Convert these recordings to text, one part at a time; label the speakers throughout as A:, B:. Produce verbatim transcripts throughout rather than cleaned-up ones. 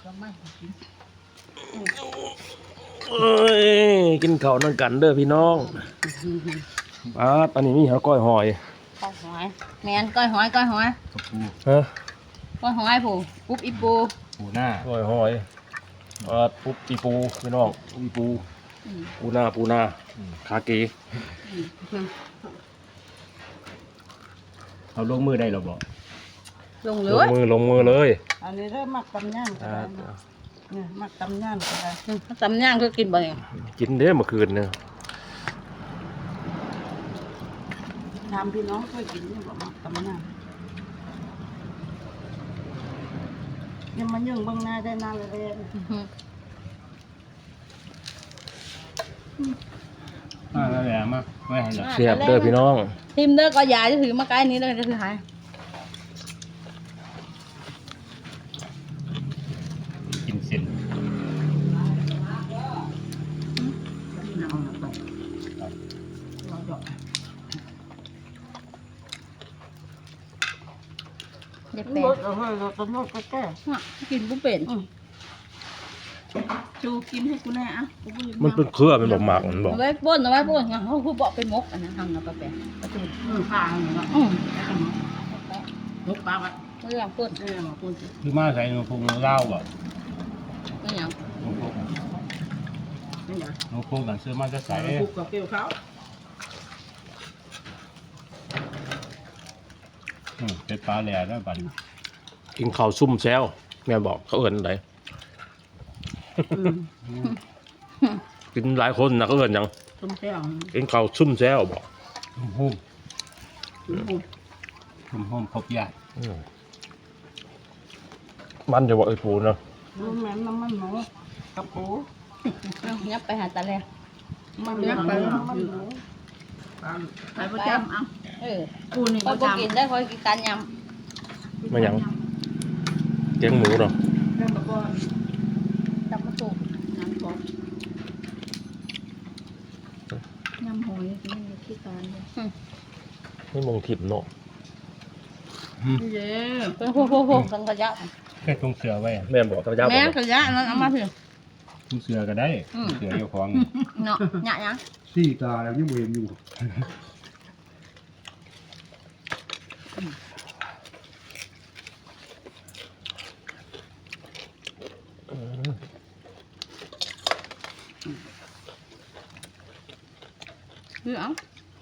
A: เอ้ยกินข้าวนั่งกันเด้อพี่น้องอ่าตอนนี้มีข้าวก้อยหอย
B: ก้อยหอยแมนก้อยหอยก้อยหอย
C: กับปู
A: ฮะ
B: ก้อยหอยผู้ปุ๊บอีปู
C: ปูหน้า
A: ก้อยหอยอ่าปุ๊บอีปูพี่น้องอีปูปูหน้าปูหน้าคาเก
C: เอาลงมือได้หรอบอก
B: ลงเล
A: ลง
B: ย
A: มือลงมือเลย
D: อันนี้เริ่มมักตำย่างก็
A: อ่า
D: ได้นะเนี่ยมักตำย่างก็ได้
B: ตำย่างคือกินบ่อย
A: กินเด้อเมื่อคืนเนี่ย
D: ถามพี่น้องเคยกินเนี่ยบอกมักตำย่างยังมันยังเบางหน้าได้หน้าเลยเลย
C: อ่าแล้วแหละมาไม่ให้หรอก
A: เสียบเด้อพี่น้อง
B: ทิมเด้อก็ยาจะถือมาใกล้นี้เลยจะถือหาย
C: กินเส้น
B: อย่า
D: ห
B: แปล
D: มดเอาให้เราต้องนวดก็แก้
B: กินผู้เป็น
D: จูกินให้กูแน่อะกูบ่อยาก
A: มันเป็นเครือเป็นบอกหมากมันบอก
B: เอาไว้ป้นเอาไว้ป้นเขาคือบอกเป็นมกอันนั้นทำนะป้าแปะประตู
D: อืมข้างเนาะ
B: อืม
D: นกปลาอ่ะ
B: เรื่องป้น
D: เออมาพูดสิ
C: คือมาใส่นมพุงเล่าบ่
B: ไม่หยัง
C: นมพุง
D: นี่นะ
C: นมพุงกันซื้อมาจะใส่
D: คุกกับเกลียวเขา
C: อืมเป็นปลาแหล่ด้วยบัด
A: กินข้าวซุ่มแซวแม่บอกเขาเอิ้นอะไร
D: อืม
A: กินหลายคนนะเขาเอิ้นหยัง
D: ต้มแซ่บ
A: กินข้าวซุ่มแซวบอก
C: นมพุง
D: อืม
C: นมพุงครบยา
A: อืมมันจะบอกไอ้ปูเนาะ
D: น้ำมันน้ำมันหมูกับปู
B: เอายับไปหาตาแล
D: มันยักไปน้ำมันหมูไปประจำเอา
B: เออ
D: กูนี่
B: ค
D: ป
B: อย
D: ระ
B: บ่
D: จำ
B: กินได้คอยกินการย
A: ไม่หยังแกงหมูเนาะ
D: เรื่องแบบว่า
B: ำตับมะตูม
D: น้ำซอส
B: ยำหอยนี่มีขี้การเลย
A: ไม่มองถิ่มเนาะ
D: เย้
B: เป็นพวกพวกพวกกันกระยะ
C: แค่ตรงเสือไว้
A: แม่บอกพระเจ้าบอ
B: แม่
A: ก
B: กระยะนั้นเอามาเถอะ
C: ตรงเสือก็ได้
B: อืม
C: เสืออยู่ของ
B: เนาะหยะยัง
E: สี่ตาแล้วยังบ่เห็นอยู่
B: คือเอา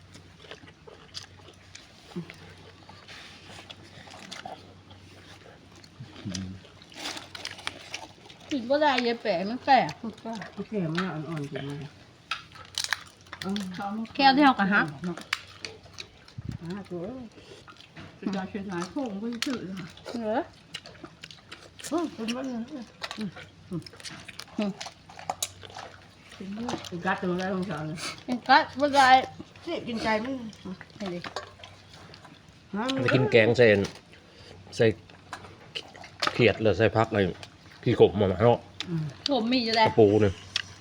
B: กินก็ได้ยายแปะมันแปะ
D: พูดก็โอเคมันอ่อนๆจริงเลยอืม
B: แก้วที่เขากระหัก
D: อ่าตัวจะจะเชียงรายโค้งไม่ชื่อเลย
B: เหรอ
D: โอ้เป็นวันเลยเป็นวันเป็นกัดตัวอะไรของฉันเลย
B: เป็นกัดไม่ได้
D: นี่กินใจมัน
B: เห็นดิ
D: ฮะ
A: ไปกินแกงใส่ใส่เขียดหรือใส่พักอะไรขี้ขมมาเนาะ
B: ผมมีอยู่
A: ก
B: แล้ว
A: ระปูเนี่ย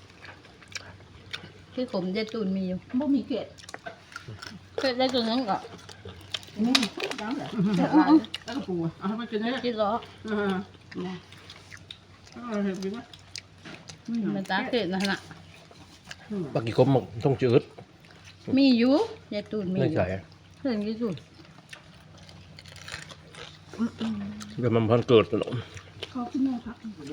B: ที่ผมยายตูนมีอยู่
D: บ่มีเกล็ด
B: เคยได้ตัวนั้นก็
D: นี่ยังเหรอแล้วก็ปูเอาไปกินได้
B: ที่ล้อ
D: อ่าเนี่ยเอาเห็นไหม
B: มันตาเกล็ดนั่นน่ะ
A: ปลาขี้ขมมันต้องจืด
B: มีอยู่ยายตูนมี
A: ไม่
B: อยู่
A: ใช่
B: เพื่อนยายตูน
A: เดี๋ยวมันพันเกิดเนาะ
D: ขอบคุณแม่ครับ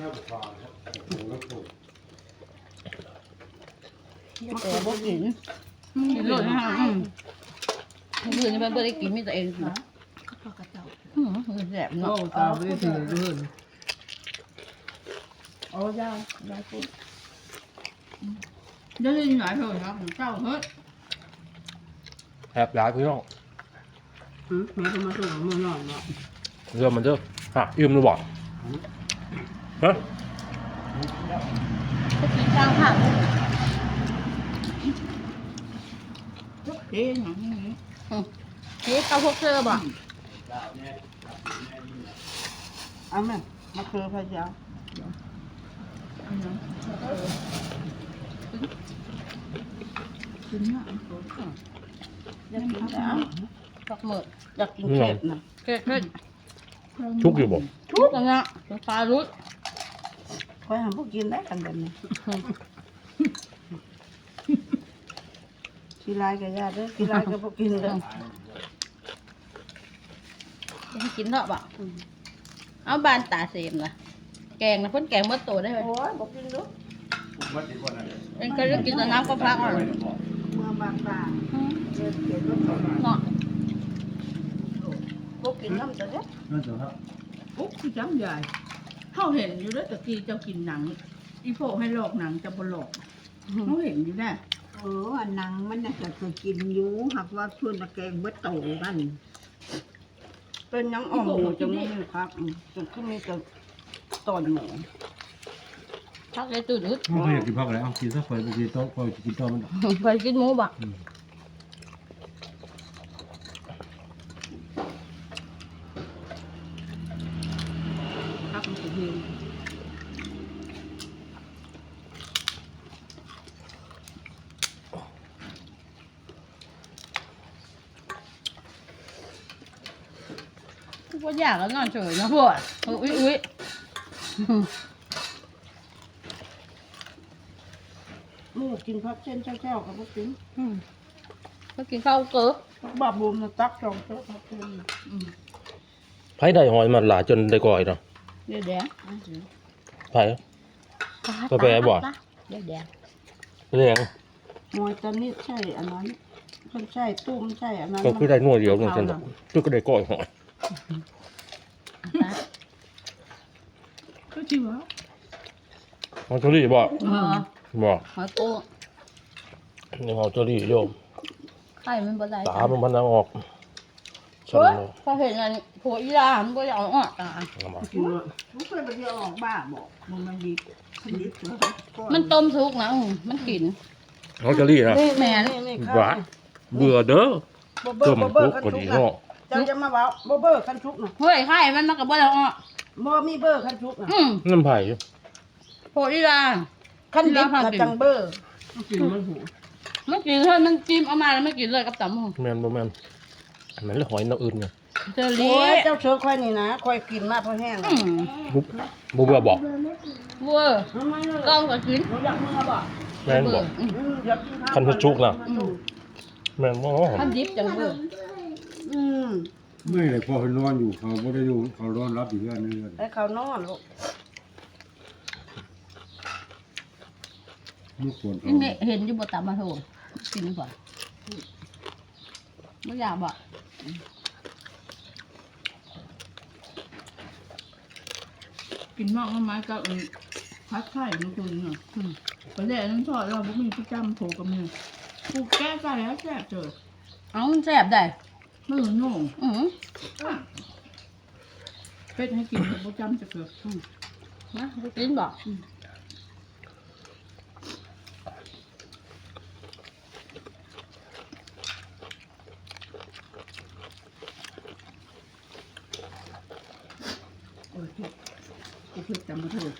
B: แต่บ่กินกินเลยนะอืมเพื่อนนี่เพิ่นบ่ได้กินมีแต่เองนะอืมแซ่บ
D: โอ้
B: เนาะ
D: ตาไม่ได้ถือด้วยโอ้ยาวยาวปุ๊บได้ยินหลายเถอะครับเจ้าเฮ้ย
A: แอบย้ายพี่น้อง
D: หืมแม่ก็มาส่งมือนอนเนาะ
A: เรื่องมันเด้อฮะยืมหรือบอกฮะ
B: ก็กินข้าวผัด
D: เอ๊ะหนังนี้
B: เฮ้ยข้าวพวกเธอบ่
D: เอาแม่มาเคยพายาวกินหน้าตัวค่ะอยากกินแล้ว
B: ผักหมึก
D: อยากกินเค็มนะ
B: เผ็ดเผ็ด
A: ชุกอยู่บอก
B: ทุกอันน่ะเป็นปลาลุด
D: คอยหาพวกกินได้กันแบบนี้กีฬากับญาติเด้อกีฬากับพวกกินเด้อ
B: จะให้กินเถอะบ่เอาบานตาเสมล่ะแกงนะเพิ่นแกงหมดตัวได้ไหม
D: โอ้ยบอกกินเด้อ
B: เอ็นก็เลือกกินแต่น้ำก็พักอ่ะ
D: เมื่อบางบางเดินเขียนรถต่อมา
B: เนาะ
D: พวกกินน้ำแต่เด้อ
C: นั่นสิครับ
E: ปุ๊บที่จำใหญ่เขาเห็นอยู่แล้วตะกี้เจ้ากินหนัง อีโฟให้หลอกหนังจะบหลอกเขาเห็นอยู่แน่
D: เอออันนังมันน่าจะเคยกินอยู่หากว่าชวนตะแกงเบิดโตกันเป็นยังอ่อมหมูจังไม่ครับอืมจนขึ้นมีแต่ตอนหมู
B: พักเลยตื่นอึด
C: มันก็อยากกินผักอะไรเอากินซะคอยไปกินโต๊ะคอยกินโต๊ะมัน
B: ไปกินหมูบ่
E: พักมันจะเย็น
B: ก็อยากแล้วนอนเฉยนะพวกอุ้ยอุ้ย
D: หมูกินพักเส้นเจ้าๆกับพวกกิน
B: ก็กินข้าวเกลือบ
D: าบูมนะตักสองเจ้าพักเส้น
A: ไผได้หอยมาหลายจนได้ก่อยเนาะ
B: เดี๋ยวแดง
A: ไผ ก็แปลบ่
B: เดี๋ยวแดง
A: แรง
D: มวยตอนนี้ใช่อันนั้นคนใช่ตุ้มใช่อันนั้น
A: ก็คือได้หน่วยเดียวนึงจังคือก็ได้ก่อยหอย
E: ก็ชิวะ
A: เอาตัวนี้บ่
B: เออ
A: บ่
B: หอยกุ้ง
A: ยังเอาตัวนี้โยม
B: ไข่มันบ่ได้
A: ตามันพันออกฉัน
B: เฮ้ย
A: เนาะ
B: พอเห็นอันผัวอีหลานก็อยากเอาออกตา
A: เอามา
D: กินเลยไม่เคยไปเที่ยวออกบ้าบอกมันมาดีดีเถอะ
B: มันต้มสุกนะอืมมันกิน
A: เอาตัวนี้นะ
B: นี่แม่
D: นี่นี่
A: หวานเบื่อเด้อ
D: บ่เบอ
A: ต้
D: ร์
A: ม
D: บ่เบอ
A: กุ๊
D: ร์
A: ก
D: คัน
A: ก็
D: ชุ
A: ดี
D: ก
A: เนาะ
D: นะเจ้าจะมาเว้าบ่เบอร์คันชุกนะ
B: เฮ้ยไข่มันมันก็บ่ได้เอาออก
D: บ่มีเบอร์คันชุกนะ
B: อืม
A: น้ำไผ่
B: ผัวอีหลาน
D: คันดิบกับจังเบอร์
E: กินมันหู
B: มันกินเฮ้ยมันจิ้มเอามาแล้วมันกินเลยกับตำหมู
A: แม่นบ่แม่นอันนั้นเลยหอยน้ำอื่นไง
B: เจอ
D: โอ้
B: เลี้
D: ย
B: ย
D: เจ้าเชือค่อยนี่นะค่อยกินมาเพราะแห้ง
B: อืม
A: บุบ่เบื่อบอก
B: เวอร์
D: ทำไมล่ะ
B: กล้องก็กิน
D: อยากมึงเอาบ่
A: แม่นบอก
B: อืม
D: อืมอยากกินข้าว
A: คันชุกน่ะแม่นบ่
B: ทำดิบจังเวอร์
D: อืม
C: ไม่เลยพอเขานอนอยู่เขาไม่ได้อยู่เขานอนรับอยู่เรื่อยนี่เลย
D: ให้เขานอนลูก
C: ไม่ควรเขา
B: นี่เห็นอยู่บนตำมาโถกินดีกว่าไม่อยากบอก
E: กินมากน้ำไม้ก็เออพัดไข่มันตัวนี้เนาะไปแล่น้ำทอดเราบุมีพี่จำโผล่กับมือกูแก้กันแล้วแซ่บเจอ
B: เอามันแซ่บได้
E: มือโน่ง
B: อือ
E: เป็ดให้กินกับบุจำจะเกิด
B: นะไปกินบอก
E: โอ้ยกูเพิ่งจำมาถูก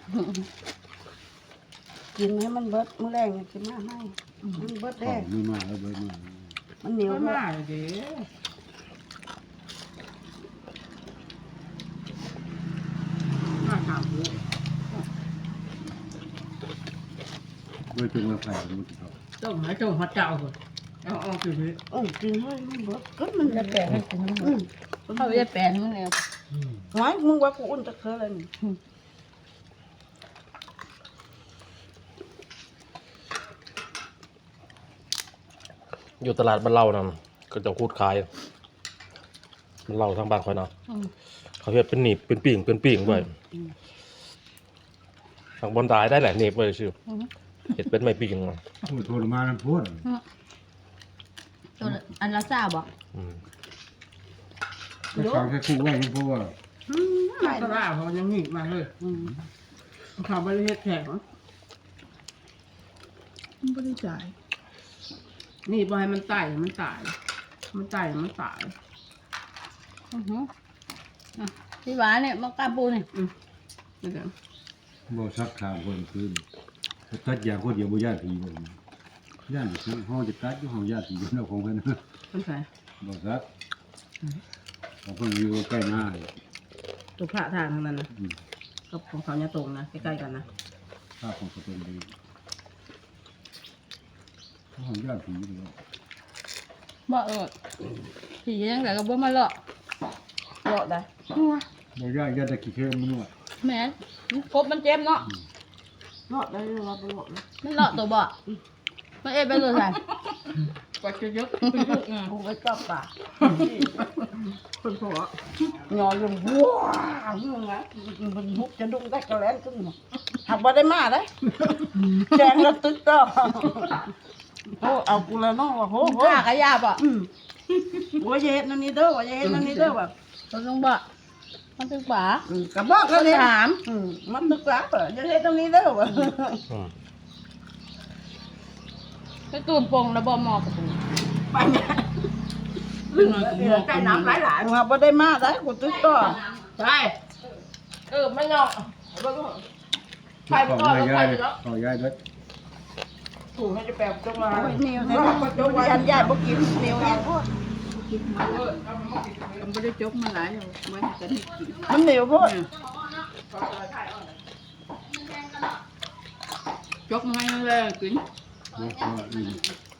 D: กินให้มันเบิดมื้อแรงนี่กินมาให้มันเบิด
C: เขา
D: แด้
C: ไม่มาแล้วเบิดมา
D: มันเหนียว
E: ก็
D: เบิด
E: มาเด้มาถามกู
C: เบิดจงมาแผ่มันติดเขา
E: ต้องหาเจ้าหัดเจ้าก่อนเอาออกไปเลย
D: เออกินให้มันเบิดก็มัน
B: จะแปลให้กิน
D: อืม
B: เขาจะแปลให้มันแล้ว
D: หวายมึงว่ากูอุ่นตะเคอเลยนี่
A: อยู่ตลาดบ้านเล่านั่นก็จะคูดขายมันเล่าทางบ้านคอยเนาะ
B: อืม
A: เขาเฮ็ดเป็นหนีบเป็นปิ่งเป็นปิ่งไว้ทางบนตายได้แหละหนีบไว้ชื่อ
B: อืม
A: เฮ็ดเป็นไม้ปิ่งอะ
C: โอ้ยโทรมาแล้วพูด
B: ตัวอันละซ่าบอก
A: อืม
C: ก็ฟังแค่คู่ไว้เพราะว่า
E: มาตลาดเขายังหนีมาเลย
D: อืม
E: ข่าวบริเวณแขกเหรอมันไม่ได้จ่ายนี่บอให้มันตายมันตาย มันตายมันตาย
B: อือหืออ่ะพี่หวานเนี่ยมากาปูนี่
E: อืมนี่แหละ
C: บ่ซักขามคนคืนตัดยาคนเดียวบ่ญาติผีบ่ญาติผีห้องจะตัดอยู่ห้องญาติผีอยู่นอกของเพิ่น
E: มันใส่
C: บ่ซักของเพิ่นอยู่ใกล้หน้าเลย
E: ตัวพระทางทางนั้นนะ
C: อืม
E: กับของเขาเนี่ยตรงนะใกล้ๆกันนะ
C: อข้าวของสเปนดีเขาของญาติผีเลย
B: บ่เออผียังไงก็บ่มาเลาะ
D: เลาะได้
C: บ่ญาติญาติตะกี้เข้มมันนวด
B: แม่นครบมันเจ็บเนาะ
D: เลาะได้เลยว่าบ่เลาะเลย
B: มันเลาะตัวบ่มันเอ็ดไปเลยไง
E: กว่าจะยกไปยกอ่ะ
D: กูไปจับปากคนผัวยอลงว้าวมึงนะมันหุบจะดุ้งได้กระแลนขึ้นมาหักบ่ได้มาได้แจงแล้วตึกก็โอ้เอากูละน้องว่าโหโห
B: กล้ากระยาบ่
D: อืมว่าจะเฮ็ดนั่นนี่เด้อว่าจะเฮ็ดนั่นนี่เด้อแบบ
B: ตัวลงบ่มันตึกป่า
D: อืมกระบอกแล้วเนี่ย
B: ถาม
D: อืมมันตึกหลักเหรอจะเฮ็ดตรงนี้เด้อวะ
A: อืม
B: ไปตูนปงแล้วบ่หมอกระปู
D: ไปเนี่ยลืมเหลือใจน้ำหลายๆว่าบ่ได้มาได้กูตึกก็
B: ใช่เออไม่เนาะ
C: ไปของยายยายเลยของยายด้วย
D: ถูกให้จะแปลจงมาเหนียวให้ก็จงว่าอันยายบ่กินเหนียวแห้งโพด
E: มันไม่ได้จกมาหลายเอาไว้จะได้กิน
D: มันเหนียวโพด
E: จกมาให้เลยกิน
C: นะก็อืม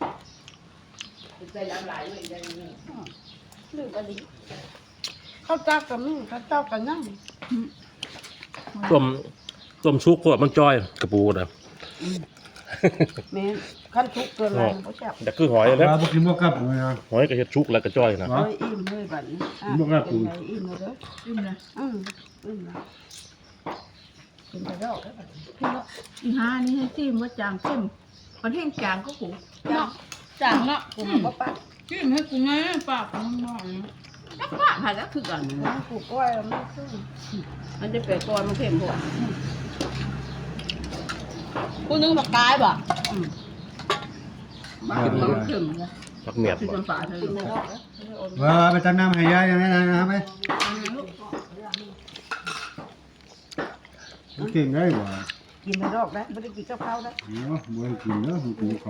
D: ลืมอันนี้ข้าวเจ้ากับนี่ข้าวเจ้ากับนั่ง
A: ต้มต้มชุกพวกมันจอยกระปูนะ
D: แม่นขั้นทุกเกินแล้วบ่แซ่บ
A: แต่คือหอยแล้ว
C: ปลาบ่กินบ่กลับเลยนะ
A: หอยก็เฮ็ดชุกแล้วก็จ้อยนะ
D: เอ้ยอิ่มเลยบัดนี้อ่ะ
C: บ่กล้าปรุง
D: เป็นไงอิ่มแล้วเด้อ
E: จิ้มนะ
D: อืมอิ่มแล้วกินไปดอกแล้วบัดนี้
E: อีห้านี่ให้จิ้มว่าจางเข้มคนแห้งจางก็ผูก
B: เนาะจางเนาะ
D: กูบ่ปัด
E: จิ้มให้กูไงปากมันหน่อยจักปากผ่านแล้วคือกัน
D: น้ำกูก้อยแล้วมันขึ้น
E: มันจะเปิดก่อนมันเข้มกว่า
B: กูนึงบักกายบ่
E: บ้านมันเข้มนะ
A: ผักเมียด
E: คือ
A: บ่
E: จนป่าเธอ
D: กินไปดอกแล้ว
C: ว่าไปตักน้ำให้ยายยังไงนะไปมันเก่งได้บ่
D: กินไปดอกแล้วไม่ได้กินกับข้าวแล้ว
C: เนาะบ่ให้กินเนาะมันกินข้าว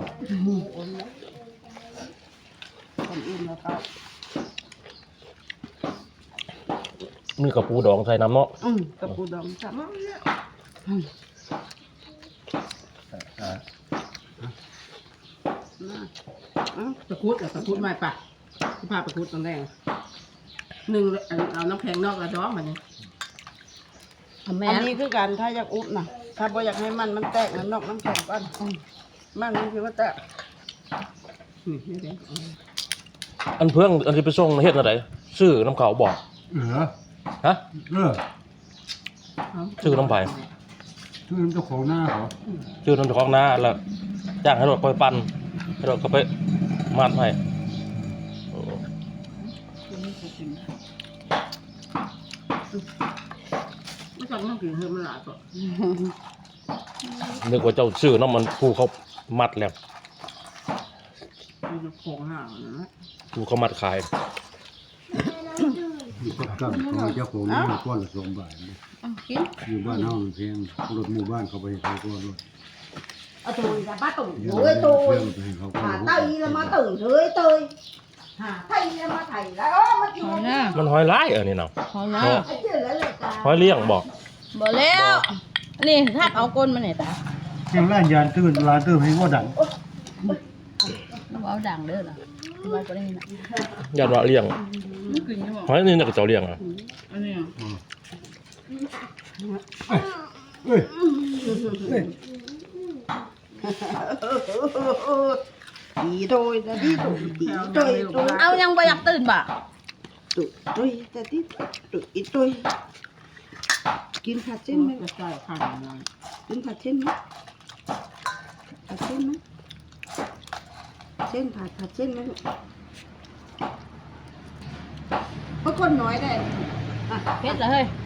D: คนอิ่มแล้วครับ
A: มีกระปูดองใส่น้ำเนาะ
D: อืมกับปูดองจับมา
C: อ่า
D: อืม
E: ตะคุดตะคุดไม่ปะที่พาตะคุดตอนแรกหนึ่งเอาน้ำแข็งนอกกระด้องมันนี่
B: แม่
D: อันนี้คือการถ้าอยากอุบนะถ้าบ่อยากให้มันมันแตกมันนอกน้ำแข็งก่อนอืมมันมันคือว่าแตก
E: นี่นี่เด็ก
A: อันเพิ่งอันที่ไปส่งเฮ็ดอะไรซื้อน้ำเขาบอก
C: เออ
A: ฮะ
C: เออ
A: ชื่อน้ำไผ่
C: ชื่อเจ้าของหน้าเขา
A: ซื้อน้ำเจ้าของนาแล้วจ้างให้รถคอยปั่นให้รถเขาไปมัดให้โอ้
E: ไม่ต้องต้องกินเพิ่มมันหลายก่อน
A: นึกว่าเจ้าซื้อน้ำมันผู้เขามัดแล้ว
E: มันจะโค้งห่างนะ
A: ผู้เขามัดขาย
C: อยู่กับกับของเจ้าของหน้าก้อนละสองบาทนะ
B: เอากิน
C: อยู่บ้านเฮามันแพงรถหมู่บ้านเขาไปให้เขาก็รถ
D: เอาตัวจะบ้าตุ่
C: เดี๋ยว
D: เฮ้ยตัว
C: เรื่องไปให้เขาก็
D: หาร
C: ถ
D: ไตแล้วมาตื่นเฮ้ยเตยหาไตแล้วมาไถแล้วเออมากิน
B: หอยหน้า
A: มันหอยร้ายเออนี่เนาะ
B: หอยหน้า
D: ไอ้เจ้าแล้วเลยจ้า
A: หอยเลี้ยงบอก
B: บ่แล้วนี่ถ้าเอาก้นมาเนี่ยตา
C: เสียงร้านยานตื่นร้านตื่นให้ว่าดัง
B: ต้องเอาด่างเด้อล่ะว่าบ่ได้ยินน่ะ
A: ญาติว่าเลี้ยง
E: ไม่กินใช่ไหม
A: หอยนี่น่าจะเจ้าเลี้ยงอ่ะ
E: อันนี้
C: เอ้ยเอ้ย
D: ตีโดยแต่ที่ตุ่ตีโดยตัว
B: เอายังบ่อยากตื่นบ่
D: ตุ่โดยแต่ที่ตุ่อีโดยกินผัดเส้นไหม
E: จะใส่ข้าวหน่อย
D: กินผัดเส้นไหมผัดเส้นไหมเส้นผัดผัดเส้นไหมลูกเพราะคนน้อยได้อ่ะ
B: เผ็ดเหรอเฮ้ย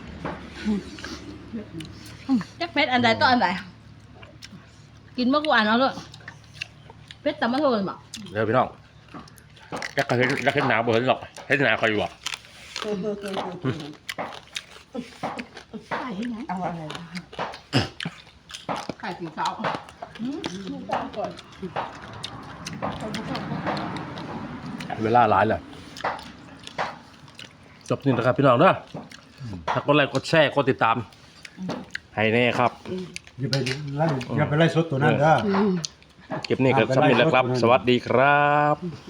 B: อืมจักเผ็ดอันใดต่ออันใดกินเมื่อกูอ่านเอาเลยเผ็ดตำมะโทนบ่
A: เดี๋ยวพี่น้องจักเห็นจักเห็นหนาบ่เห็นหรอกเห็นหนาใครอยู่อ่ะ
E: ใส่ที่ไหน
D: เอาอะไร
E: ไข่สีขาว
A: เวลาหลายเลยจบนี่นะครับพี่น้องเด้อถ้ากดไลค์กดแชร์กดติดตามให้แน่ครับ
C: อย่าไปไล่อย่าไปไล่สดตัวนั้นเด้อ
A: เก็บนี่ก็สำเร็จแล้วครับ สวัสดีครับ